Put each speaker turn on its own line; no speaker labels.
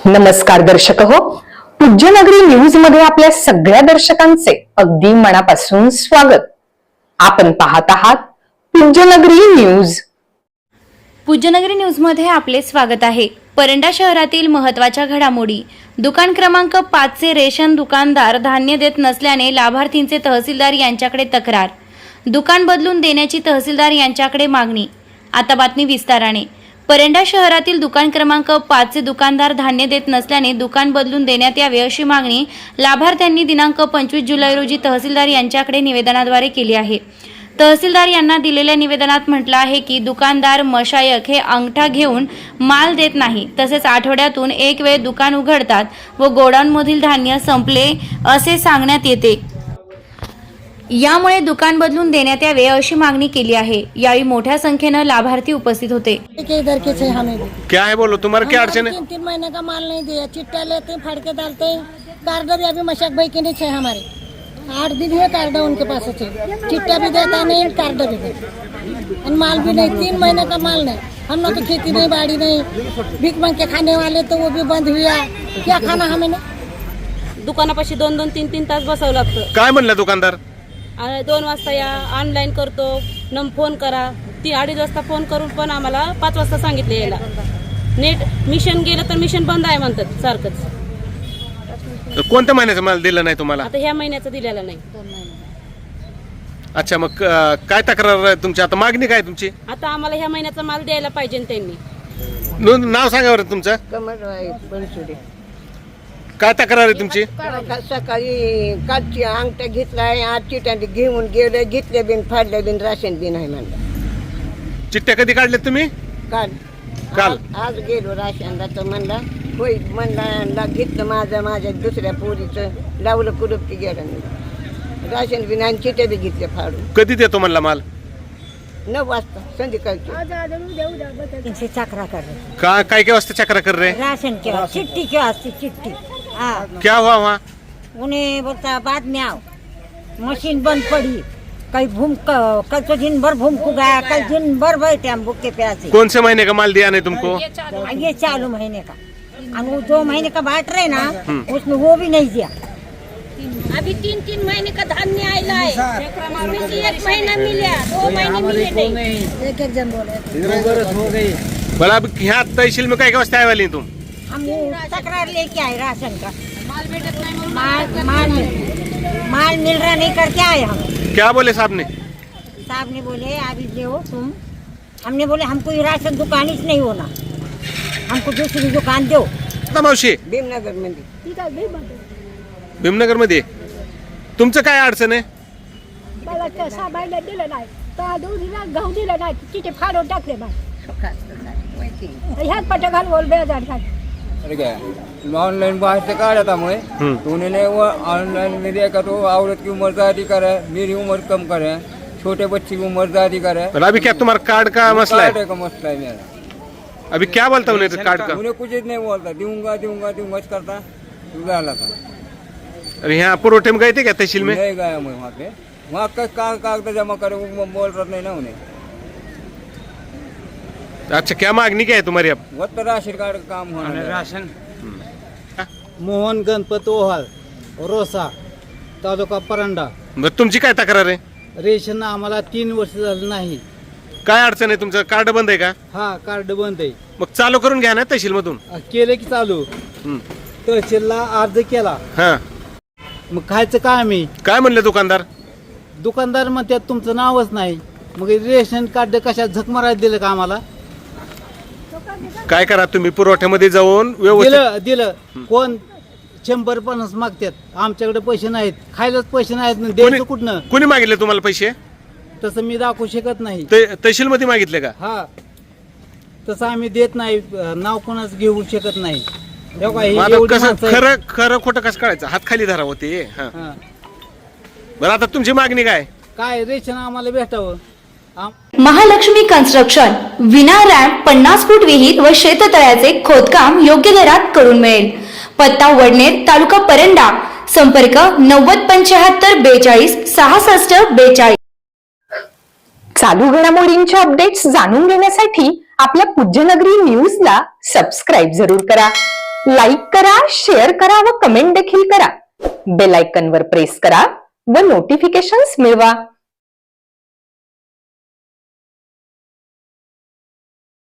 नमस्कार दर्शक हो, पूज्यनगरी न्यूज मध्ये आपल्या सगळ्या दर्शकांचे अगदी मनापासून स्वागत. आपण पाहत आहात पूज्यनगरी न्यूज.
पूज्यनगरी न्यूज मध्ये आपले स्वागत आहे. परंडा शहरातील महत्त्वाच्या घडामोडी. दुकान क्रमांक 5 चे रेशन दुकानदार धान्य देत नसल्याने लाभार्थींचे तहसीलदार यांच्याकडे तक्रार. दुकान बदलून देण्याची तहसीलदार यांच्याकडे मागणी. आता बातमी विस्ताराने. परंडा शहरातील दुकान क्रमांक 5 चे दुकानदार धान्य देत नसल्याने दुकान बदलून देण्यात यावे अशी मागणी लाभार्थ्यांनी दिनांक 25 जुलै रोजी तहसीलदार यांच्याकडे निवेदनाद्वारे केली आहे. तहसीलदार यांना दिलेल्या निवेदनात म्हटलं आहे की दुकानदार मशायक हे अंगठा घेऊन माल देत नाही, तसेच आठवड्यातून एक वेळ दुकान उघडतात व गोडाऊनमधील धान्य संपले असे सांगण्यात येते. यामुळे दुकान बदलून देण्यात यावे अशी मागणी केली आहे. यावेळी मोठ्या संख्येनं लाभार्थी उपस्थित होते.
इधर के थे हमें भी
क्या है बोलो, तुम्हारा क्या अड़चन है?
3 महीने का माल नहीं दिया, चिट्टा लेते फाड़ के डालते. कार्ड भी अभी मशक भाई के नहीं थे हमारे, 8 दिन हुए कार्ड उनके पास थे. चिट्टा भी देता नहीं, कार्ड भी देता और माल भी नहीं. 3 महीने का माल नहीं. हम लोग तो खेती नहीं, बाड़ी नहीं, भीख मांग के खाने वाले तो वो भी बंद हुआ. क्या खाना हमें ना.
दुकानापाशी 2-2, 3-3 तास बसावं लागतं.
काय म्हणला दुकानदार?
2 वाजता या, ऑनलाईन करतो, फोन करा. 2:30 वाजता फोन करून पण आम्हाला 5 वाजता सांगितलं यायला. नेट मिशन गेलं तर मिशन बंद आहे म्हणतात सारखंच.
कोणत्या महिन्याचा माल दिला नाही तुम्हाला?
आता ह्या महिन्याचं दिलेला नाही.
अच्छा, मग काय तक्रार आहे तुमची? आता मागणी काय तुमची?
आता आम्हाला ह्या महिन्याचा माल द्यायला पाहिजे त्यांनी.
नाव सांगा बरं तुमचं.
कमरबाई बनसुडे.
काय तक्रार आहे तुमची?
सकाळी कालची अंगठा घेतलाय, आज चिट्या घेऊन गेले, घेतले बिन फाडले बिन राशन बिन आहे म्हणलं.
चिठ्ठ्या कधी काढल्यात तुम्ही?
काल
काल?
आज गेलो राशनला तर म्हणला होय, म्हणला घेतलं माझ्या दुसऱ्या पोरीचं, लावलं कुलूप की गेलं नाही. राशन बिन आणि चिट्या बी घेतल्या फाडून.
कधी देतो म्हणला माल?
9 वाजता संध्याकाळची. चक्रा कर
काय काय वाजता चक्रा कर रहे?
राशन के चिट्ठी के वास्ते चिट्ठी. हाँ,
क्या हुआ वहाँ?
उन्हें बोलता बाद में आओ, मशीन बंद पड़ी. कल तो दिन भर घूम को गया, कल दिन भर बैठे हम भूखे प्यासे.
कौन से महीने का माल दिया नहीं तुमको?
ये चालू महीने का, और वो 2 महीने का बाट रहे ना, उसमें वो भी नहीं दिया.
अभी 3-3 महीने का धान्य आयला है. 1 महीना मिला, 2 महीने मिले नहीं.
एक जन बोले
बोला अब यहाँ तहसील में काय काय वाजता आए वाली तुम?
हम तकरार लेके आए राशन का.
माल भेटत नाही म्हणून
माल मिल रहा नहीं करके आए हम.
क्या बोले साहब ने?
साहब ने बोले अभी जो तुम, हमने बोले हमको ये राशन दुकान ही नहीं होना, हमको दूसरी दुकान दो.
मावशी
भीमनगर मध्ये.
भीमनगर मध्ये तुमचं काय अडचण आहे?
मला त्या साबाईला दिलं नाही, तर दोघीला गहू दिलं नाही, तिथे फाडून टाकले बा. ह्याच पट घाल बोल बेजार घाल.
ऑनलाइन बाहर से काढ़ा था मैं, तो उन्होंने वो ऑनलाइन में देखा तो औरत की उम्र ज्यादा करे, मेरी उम्र कम करे, छोटे बच्चे की उम्र ज्यादा करे.
पर अभी क्या तुम्हारा कार्ड का मसला है?
कार्ड का मसला है मेरा.
अभी क्या बोलता उन्हें कार्ड का?
उन्हें कुछ नहीं बोलता, दूंगा करता डाला था.
अरे यहाँ पुरोठे में गए थे क्या तहसील में?
नहीं गया मैं वहाँ पे. वहाँ का कागज जमा करे वो बोल रहा नहीं ना उन्हें.
अच्छा, क्या मागणी क्या है तुम्हारी अब?
वो तो राशन कार्ड का काम होना है.
राशन. मोहन गणपत ओहाळ, रोसा, तालुका परंडा.
मग तुमची काय तक्रार आहे?
रेशन आम्हाला 3 वर्ष झालं नाही.
काय अडचण आहे? तुमचं कार्ड बंद आहे का?
हा, कार्ड बंद आहे.
मग चालू करून घ्या ना तहसील मधून.
केलं की चालू. तहसीलला अर्ज केला,
हा,
मग खायचं काय आम्ही?
काय म्हणले दुकानदार?
दुकानदार म्हणतात तुमचं नावच नाही. मग रेशन कार्ड कशात झक मारायला दिलं का आम्हाला?
काय करा तुम्ही पुरवठ्यामध्ये जाऊन व्यवस्थित.
दिलं कोण 150 मागतात, आमच्याकडे पैसे नाहीत, खायलाच पैसे नाहीत, द्यायचं कुठनं?
कोणी मागितले तुम्हाला पैसे?
तसं मी दाखवू शकत नाही.
तहसील मध्ये मागितले का?
हा, तसं आम्ही देत नाही, नाव कोणाच घेऊ शकत नाही.
कसं खरं खोटं कसं कळायचं? हात खाली धरा होते. बरं, आता तुमची मागणी काय?
रेशन आम्हाला भेटावं.
महालक्ष्मी कन्स्ट्रक्शन विना रॅम्प 50 फूट विहीर व शेततळ्याचे खोदकाम योग्य दरात करून मिळेल. पत्ता वडनेर, तालुका परंडा. संपर्क 9075 42 66 42.
चालू घडामोडींच्या अपडेट्स जाणून घेण्यासाठी आपल्या पूज्यनगरी न्यूजला सबस्क्राईब जरूर करा. लाईक करा, शेअर करा व कमेंट देखील करा. बेल आयकॉनवर प्रेस करा व नोटिफिकेशन्स मिळवा.